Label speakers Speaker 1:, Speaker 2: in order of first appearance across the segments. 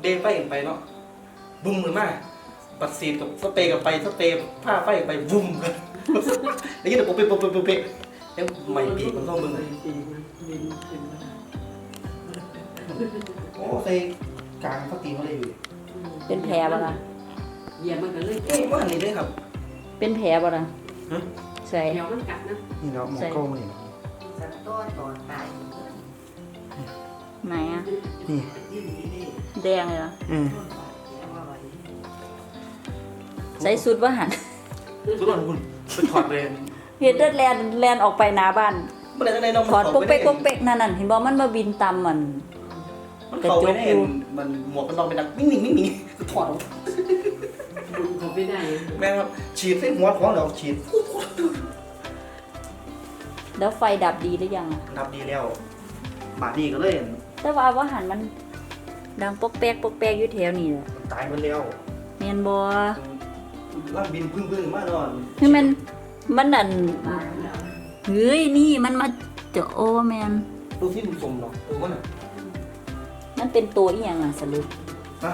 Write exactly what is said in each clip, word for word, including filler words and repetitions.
Speaker 1: ไฟไปเนาะบุ้มเหมือนมากปัดซีดกับสเปรย์กับไปสเปรย์ผ้าไฟไปบุ้มกันแล้วยี่เดี๋ยวปุ๊บเป๊ะปุ๊บเป๊ะปุ๊บเป๊ะแล้วใหม่ปีกมันต้องมึงโอ้ใส่กลางเขาตีมาเลยอยู่
Speaker 2: เป็นแผลบ่ล่ะ
Speaker 3: เหยียบมันก็เลย
Speaker 1: เอ๊ะว่าอันนี้ด้วยครับ
Speaker 2: เป็นแผลบ่ล่ะ
Speaker 1: ฮะ
Speaker 2: ใส่
Speaker 3: เดี๋ยวมันกัดนะ
Speaker 1: นี่เนาะหมอโก้มาเนี่ย
Speaker 4: สัตว์ตัวตอนตาย
Speaker 2: ไหนอ่ะ
Speaker 1: นี่
Speaker 2: แดงเลยเหรอ
Speaker 1: อืม
Speaker 2: ใส่สุดว่าหัน
Speaker 1: ทุกคนคุณไปถอดเลย
Speaker 2: เฮ็ดเดินแลนแลนออกไปหน้าบ้าน
Speaker 1: เมื่อไหร่จะได้น้อง
Speaker 2: ถอดปุ๊กเป๊กปุ๊กเป๊กนั่นน่ะเห็นบ่มันมาบินตามมัน
Speaker 1: มันเขาไม่ได้เห็นมันหมวกกันน็อกเป็นดังนิ่งนิ่งนิ่งนิ่งถอดออก
Speaker 3: เขาไม่ได้
Speaker 1: แม่ครับฉีดใส่หัวของเราฉีด
Speaker 2: แล้วไฟดับดีหรือยังอ่ะ
Speaker 1: นับดีแล้วบาดนี้ก็เลย
Speaker 2: แต่ว่าว่าหันมันดังปกแป๊กปกแป๊กอยู่แถวนี้แหละ
Speaker 1: ตายมันแล้ว
Speaker 2: แม่นบ่
Speaker 1: ร่างบินพึ่งพึ่งมากนอน
Speaker 2: คือมันมันนั่นเฮ้ยนี่มันมาเจาะโอแม่น
Speaker 1: ดูที่ดูสมเนาะเออว่าน่ะ
Speaker 2: มันเป็นตัวอีหยังอ่ะสรุป
Speaker 1: อ่ะ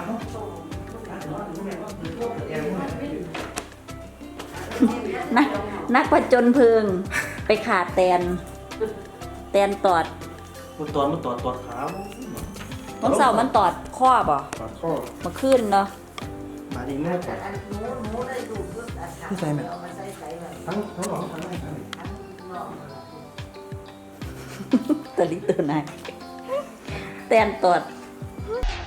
Speaker 2: นักนักผจญเพลิงไปขาดแตนแตนตอด
Speaker 1: มันตอดมันตอดตอดขา
Speaker 2: วันเสาร์มันตอดข้อบ่
Speaker 1: ตอดข้อ
Speaker 2: มาขึ้นเนาะ
Speaker 1: บาดนี้ไม่ตอด
Speaker 4: อันหนูหนูได้ดูเพื่ออัดขาเอามาใส่ใส่ไว้
Speaker 1: ทั้งทั้งหลอดทั้งในทั้ง
Speaker 4: ทั้งนอก
Speaker 2: ตะลิตัวนายแตนตอด
Speaker 4: เ